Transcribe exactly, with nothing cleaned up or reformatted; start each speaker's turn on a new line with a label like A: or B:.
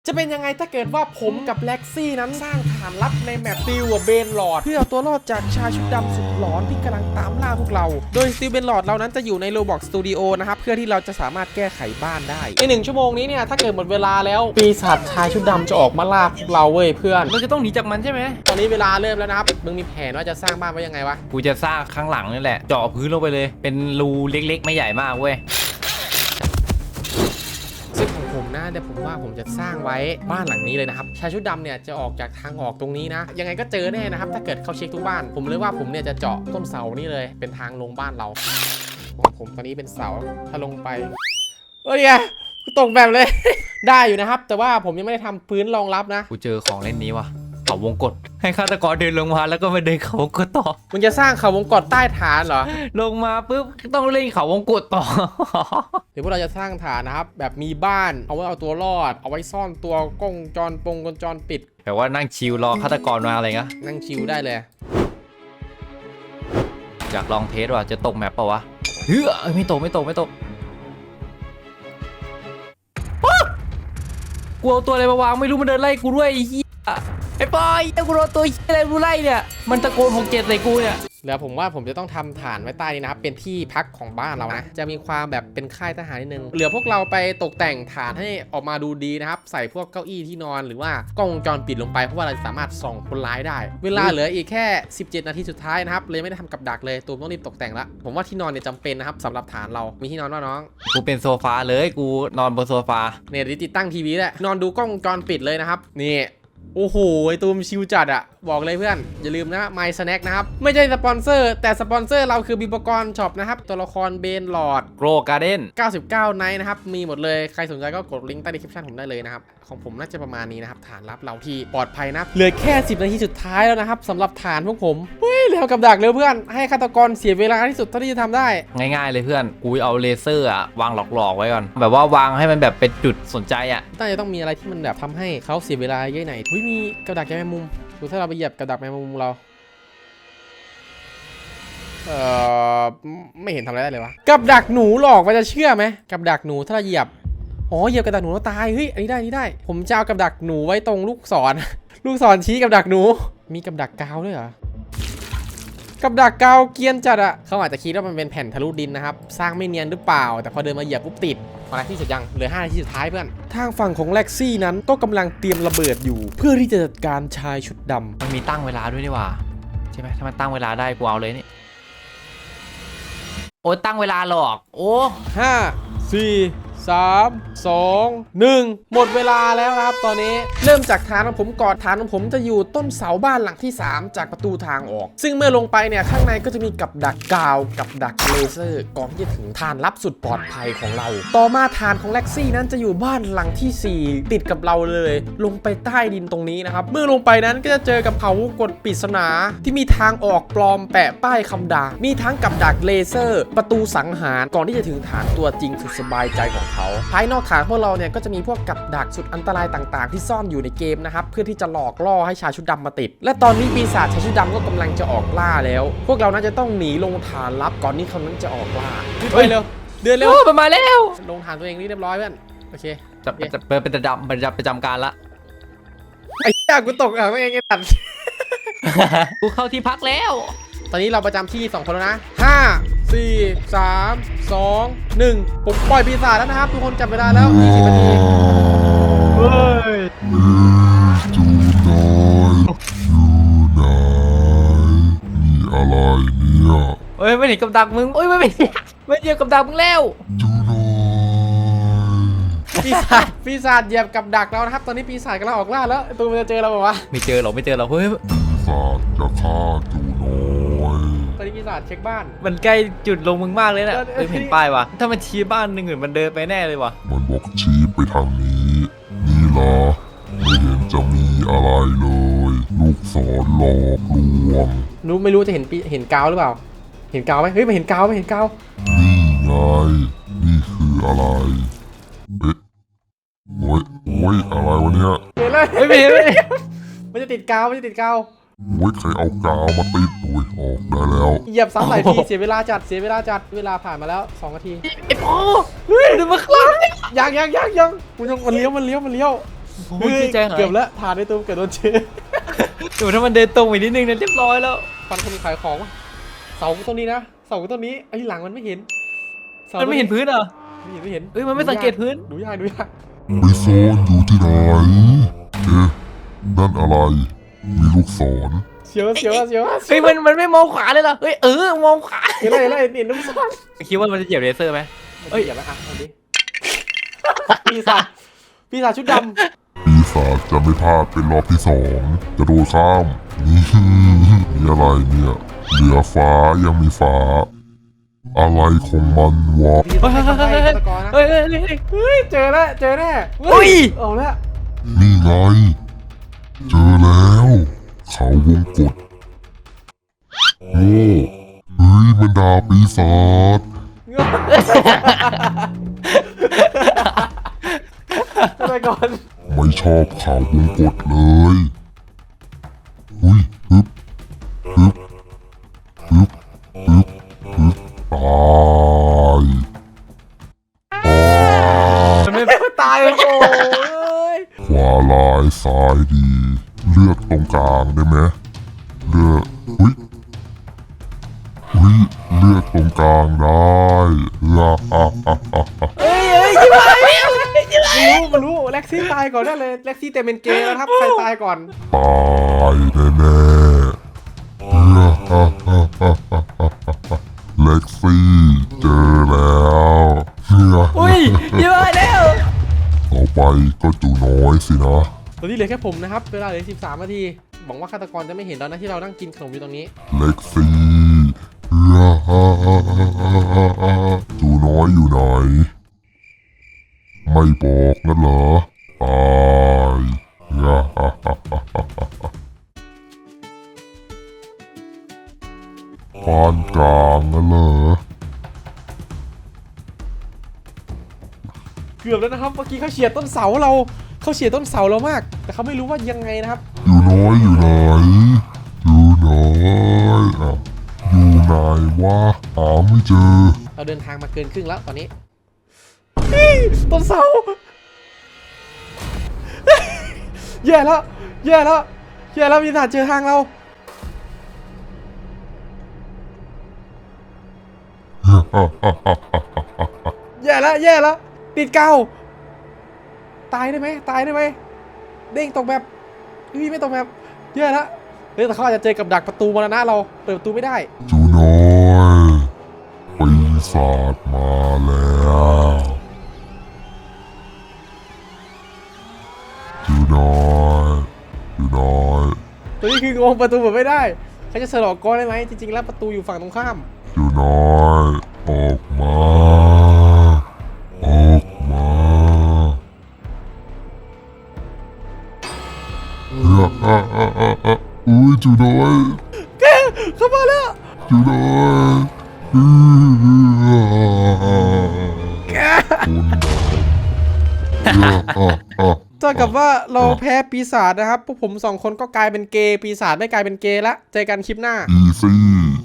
A: จะเป็นยังไงถ้าเกิดว่าผมกับแล็กซี่นั้นสร้างฐานลับในแมปติวเบนหลอดเพื่อเอาตัวรอดจากชายชุดดำสุดหลอนที่กำลังตามล่าพวกเราโดยติวเบนหลอดเรานั้นจะอยู่ใน Roblox Studio นะครับเพื่อที่เราจะสามารถแก้ไขบ้านได้ในหนึ่งชั่วโมงนี้เนี่ยถ้าเกิดหมดเวลาแล้วปีศาจชายชุดดำจะออกมาล่าพวกเราเว้ยเพื่อน
B: เราจะต้องหนีจากมันใช่ไหม
A: ตอนนี้เวลาเริ่มแล้วนะครับมึงมีแผนว่าจะสร้างบ้านไว้ยังไงวะ
B: กูจะสร้างข้างหลังนี่แหละเจาะพื้นลงไปเลยเป็นรูเล็กๆไม่ใหญ่มากเว้ย
A: ซึ่งของผมนะเดี๋ยวผมว่าผมจะสร้างไว้บ้านหลังนี้เลยนะครับชายชุดดำเนี่ยจะออกจากทางออกตรงนี้นะยังไงก็เจอแน่นะครับถ้าเกิดเขาเช็คทุกบ้านผมเลยว่าผมเนี่ยจะเจาะต้นเสานี่เลยเป็นทางลงบ้านเราของผมตอนนี้เป็นเสาถ้าลงไปเฮ้ยกูตกแบบเลย ได้อยู่นะครับแต่ว่าผมยังไม่ได้ทำพื้นรองรับนะ
B: กูเจอของเล่นนี้ว่ะเขาวงกตให้ฆาตกรเดินลงมาแล้วก็มาเดินเขาวงกตต่อ
A: มึงจะสร้างเขาวงกตใต้ฐานเหรอ
B: ลงมาปุ๊บต้องเล่นเขาวงกตต่อ
A: เดี๋ยวพวกเราจะสร้างฐานนะครับแบบมีบ้านเอาไว้เอาตัวรอดเอาไว้ซ่อนตัวกล้องจรปงกล้องจรปิด
B: แต่ว่านั่งชิลรอฆาตกรมาอะไรเงี้ย
A: นั่งชิลได้เลย
B: อยากลองเทสว่าจะตกแมปป่าวะเฮ้ยไม่ตกไม่ตกไม่ตกกูเอาตัวอะไรมาวางไม่รู้มันเดินไล่กูด้วยไอ้เหี้ยไอ้ปอยไอ้กูโดนตัวเหี้ยอะไรกูไล่เนี่ยมันตะโกนหกเจ็ดใส่กูเนี่ย
A: แล้วผมว่าผมจะต้องทำฐานไว้ใต้นี้นะครับเป็นที่พักของบ้านเรานะจะมีความแบบเป็นค่ายทหารนิดนึงเหลือพวกเราไปตกแต่งฐานให้ออกมาดูดีนะครับใส่พวกเก้าอี้ที่นอนหรือว่ากล้องวงจรปิดลงไปเพราะว่าเราสามารถส่องคนร้ายได้เวลาเหลืออีกแค่สิบเจ็ดนาทีสุดท้ายนะครับเลยไม่ได้ทำกับดักเลยตูมต้องรีบตกแต่งละผมว่าที่นอนเนี่ยจำเป็นนะครับสำหรับฐานเรามีที่นอนว่าน้อง
B: กูเป็นโซฟาเลยกูนอนบนโซฟา
A: เนี่ยติดตั้งทีวีแหละนอนดูกล้องวงจรปิดเลยนะครับนี่โอ้โหไอตูมชิวจัดอะบอกเลยเพื่อนอย่าลืมนะ My Snack นะครับไม่ใช่สปอนเซอร์แต่สปอนเซอร์เราคือบิบกรช็อปนะครับตัวละครเบนหลอด
B: โกรการ์เด้น
A: เก้าสิบเก้าไนท์นะครับมีหมดเลยใครสนใจก็กดลิงก์ใต้ดีคริปชั่นผมได้เลยนะครับของผมน่าจะประมาณนี้นะครับฐานลับเราที่ปลอดภัยนะเหลือแค่สิบนาทีสุดท้ายแล้วนะครับสำหรับฐานพวกผมเฮ้ยเร็วกับดักเร็วเพื่อนให้ฆาตกรเสียเวลาที่สุดเท่าที่จะทำได้
B: ง่ายๆเลยเพื่อนกูเอาเลเซอร์อะวางหลอกๆไว้ก่อนแบบว่าวางให้มันแบบเป็นจุดสนใจอะ
A: น่าจะต้องมีอะไรที่มันแบบทำให้เขาเสียเวลาเยอะหน่อยเฮ้ยมีกับดักแมงมุมดูถ้าเราไปเหยียบกับดักแมงมุมเราเออไม่เห็นทำอะไรได้เลยวะกับดักหนูหลอกมันจะเชื่อไหมกับดักหนูถ้าเราเหยียบอ๋อเหยียบกับดักหนูแล้วตายเฮ้ยอันนี้ได้นี่ได้ผมจะเอากับดักหนูไว้ตรงลูกศร ลูกศรชี้กับดักหนูมีกับดักกาวด้วยเหรอกับดักกาวเกียนจัดอะเขาอาจจะคิดว่ามันเป็นแผ่นทะลุดินนะครับสร้างไม่เนียนหรือเปล่าแต่พอเดินมาเหยียบปุ๊บติดมาที่สุดยังเหลือห้านาทีสุดท้ายเพื่อนทางฝั่งของแล็กซี่นั้นก็กำลังเตรียมระเบิดอยู่เพื่อที่จะจัดการชายชุดดำ
B: มันมีตั้งเวลาด้วยนี่หว่าใช่ไหมถ้ามันตั้งเวลาได้กูเอาเลยนี่โอ้ตั้งเวลาหรอกโอ้
A: ห้าสี่สามสองหนึ่งหมดเวลาแล้วครับตอนนี้เริ่มจากฐานของผมก่อนฐานของผมจะอยู่ต้นเสาบ้านหลังที่สามจากประตูทางออกซึ่งเมื่อลงไปเนี่ยข้างในก็จะมีกับดักกาวกับดักเลเซอร์ก่อนที่จะถึงฐานลับสุดปลอดภัยของเราต่อมาฐานของแล็กซี่นั้นจะอยู่บ้านหลังที่สี่ติดกับเราเลยลงไปใต้ดินตรงนี้นะครับเมื่อลงไปนั้นก็จะเจอกับเผากดปริศนาที่มีทางออกปลอมแปะป้ายคำด่ามีทั้งกับดักเลเซอร์ประตูสังหารก่อนที่จะถึงฐานตัวจริงสุดสบายใจของเขาภายนอกฐานพวกเราเนี่ยก็จะมีพวกกับดักสุดอันตรายต่างๆที่ซ่อนอยู่ในเกมนะครับเพื่อที่จะหลอกล่อให้ชายชุดดำมาติดและตอนนี้ปีศาจชายชุดดำก็กำลังจะออกล่าแล้วพวกเราน่าจะต้องหนีลงฐานลับก่อนที่เขานั้นจะออกล่าไปเร็วเดินเร็ว
B: มันมาแล้ว
A: ลงฐานตัวเองนี่เรียบร้อยเพื่อนโอเค
B: จะจะเป็นประจำประจำประจำการละ
A: ไอ้ยากกูตกอ่ะไม่เองไอ้ตัด
B: กูเข้าที่พักแล้ว
A: ตอนนี้เราประจำที่สองคนแล้วนะห้าสี่สามสองหนึ่งผมปล่อยปีศาจแล้วนะครับทุกคนจับเวลาแล้วยี่สิบนาที
B: เฮ้ย
C: จูน้อยจูนายมีอะไรเนี่ย
B: เฮ้ยไม่เห็นกับดักมึงโอ้ยไม่ไม่ไม่เจอกับดักมึงแล้ว
C: จูน้อย
A: ปีศาจปีศาจเหยียบกับดักเรานะครับตอนนี้ปีศาจกำลังออกล่าแล้วตัวมันจะเจอเราบอกว่า
B: ไม่เจอหรอกไม่เจอหรอกเฮ้ย
C: ปีศาจจะฆ่าจูน้อย
A: ตอนนี้ปีศาจเช็คบ้าน
B: มันใกล้จุดลงมึงมากเลยนะเฮ้ยเห็นป้ายวะถ้ามันชี้บ้านหนึ่งอื่นมันเดินไปแน่เลยวะ
C: มันบอกชี้ไปทางนี้นี่ล่ะไม่เห็นจะมีอะไรเลยลูกศรหลอกลวง
A: รู้ไม่รู้จะเห็นเห็นกาวหรือเปล่าเห็นกาวไหมเฮ้ยไม่เห็นกาวไม่เห็นกาว
C: นี่ไงนี่คืออะไรเอ๊ะโอ้ยโอ้ยอะไรวะเนี่ย
A: เห็นเลยไม่เห็นไม่มันจะติดกาวมันจะติดกาว
C: โอ้ยใครเอากาวมาติดโอ้ยออกได้แล้ว
A: เหยียบซ้ำหลายทีเสียเวลาจัดเสียเวลาจัดเวลาผ่านมาแล้วสองนาที
B: ไอ้พ่อเฮ้ยดูมาคลั่ง
A: ยังยังยังยังมันมันเลี้ยวมันเลี้ยวมันเลี้ยว
B: โอ้
A: เฮ้
B: ย
A: ย
B: ใจหาย
A: เกือบแล้วฐานในตัวเกือบโดนเชื้อ
B: เดี๋ยวถ้ามันเดินตรงอีกนิดนึงเนี่ยเรียบร้อยแล้ว
A: ฟันคนขายของวะเสาต้นนี้นะเสาต้นนี้ไอ้หลังมันไม่เห็นสา
B: มันไม่เห็นพื้นเหรอ
A: ไม่เห็นไม่เห็น
B: เอ้ยมันไม่สังเกตพื้น
A: ดูยากดูยาก
C: ไปซ่อนอยู่ที่ไหน เอ๊ะ นั่นอะไร มีลูกศร
A: เสียวเสียวเสียว
B: เฮ้ยมันมันไม่มองขวาเลยเหรอเฮ้ยเออมองขวา
A: เห็นอะไรเห็นอะไรเห็นน้ำซ้อน
B: คิดว่ามันจะเหยียบเลเซอร์ไหม
A: เฮ้ยอย่ามาอ่ะเอาดิปีศาจปีศาจชุดด
C: ปีศาจจะไม่พลาดเป็นรอบที่สองจะโดดข้าม นี่ นี่อะไรเนี่ย เหลือฟ้ายังมีฟ้า อะไรของมันวะ
A: ำพี่ต้องให้คนไทยฆาตกรนะ
B: เฮ้ยเฮ้ยเฮ้ยเฮ้ย
A: เฮ้ยเจอแล้วเจอแน่
B: อุ้ย
A: เอาละ
C: นี่ไง เจอแล้ว เขาวงกดโอ้เฮ้ยมันดาบปีศาจ
A: ฆาตกร
C: ไม่ชอบเขาวงกดเลยอุ้ยฮึบฮึบฮึบฮึบฮึบตายตาย
B: มันไม่
A: ตายโอ้ย
C: ขวาลายซ้ายดี เลือกตรงกลางได้ไหมเลือกอุ้ยอุ้ยเลือกตรงกลางได้ฮ่าฮ่าฮ่าฮ่าฮ่า
B: เฮ้ยเฮ้ยชิบหายแล้ว
A: รู้มันรู้เล็กซี่ตายก่อนได้เลยเล็กซี่เต็มเป็นเกย์แล้วครับใครตายก่อน
C: ตายแน่แน่ๆฮ่าฮ่าฮ่าฮ่าฮ่าฮ่าเล็กซี่เจอแล้วเฮ้ย
B: อุ้ยชิบหายแล้ว
C: ต่อไปก็จูน้อยสินะ
A: ตอนนี้เหลือแค่ผมนะครับเวลาเหลือสิบสามนาทีหวังว่าฆาตกรจะไม่เห็นแล้วนะที่เรานั่งกินขนมอยู่ตรงนี้
C: เล็กซี่ฮ่าฮ่าฮ่าฮ่าฮ่าฮ่าจูน้อยอยู่ไหน ไม่บอกนั่นเหรอตายฮ่าฮ่าฮ่าฮ่าฮ่าฮ่าปานกลางนั่นเหรอ
A: เกือบแล้วนะครับเมื่อกี้เขาเฉียดต้นเสาเราเขาเฉียดต้นเสาเรามาก แต่เขาไม่รู้ว่ายังไงนะครับ
C: อยู่น้อยอยู่ไหน อยู่น้อยอ่ะอยู่ไหนวะหาไม่เจอ
A: เราเดินทางมาเกินครึ่งแล้วตอนนี้นี่ต้นเสา แย่แล้วแย่แล้วแย่แล้วมีทหารเจอทางเรา แย่แล้วแย่แล้วติดเกาตายได้ไหมตายได้ไหมเด้งตกแบบนี่ไม่ตกแบบแย่แล้วเฮ้ยแต่เขาอาจจะเจอกับดักประตูมรณะเราเปิดประตูไม่ได้
C: จูน้อยปีศาจมาแล้วจูน้อยจูน้อย
A: ตัวนี้คืองงประตูเปิดไม่ได้เขาจะสลอกก้อนได้ไหมจริงๆแล้วประตูอยู่ฝั่งตรงข้าม
C: จูน้อยออกมาออกมาฮ่าฮ่าฮ่าฮ่าฮ่าอุ้ยจูน้อย
A: แกเข้ามาแล้ว
C: จูน้อยอื้อคุณน้อยฮ่าฮ่าฮ่า
A: เท่ากับว่าเราแพ้ปีศาจนะครับพวกผมสองคนก็กลายเป็นเกย์ปีศาจไม่กลายเป็นเกย์ละเจอกันคลิปหน้า
C: อีซี่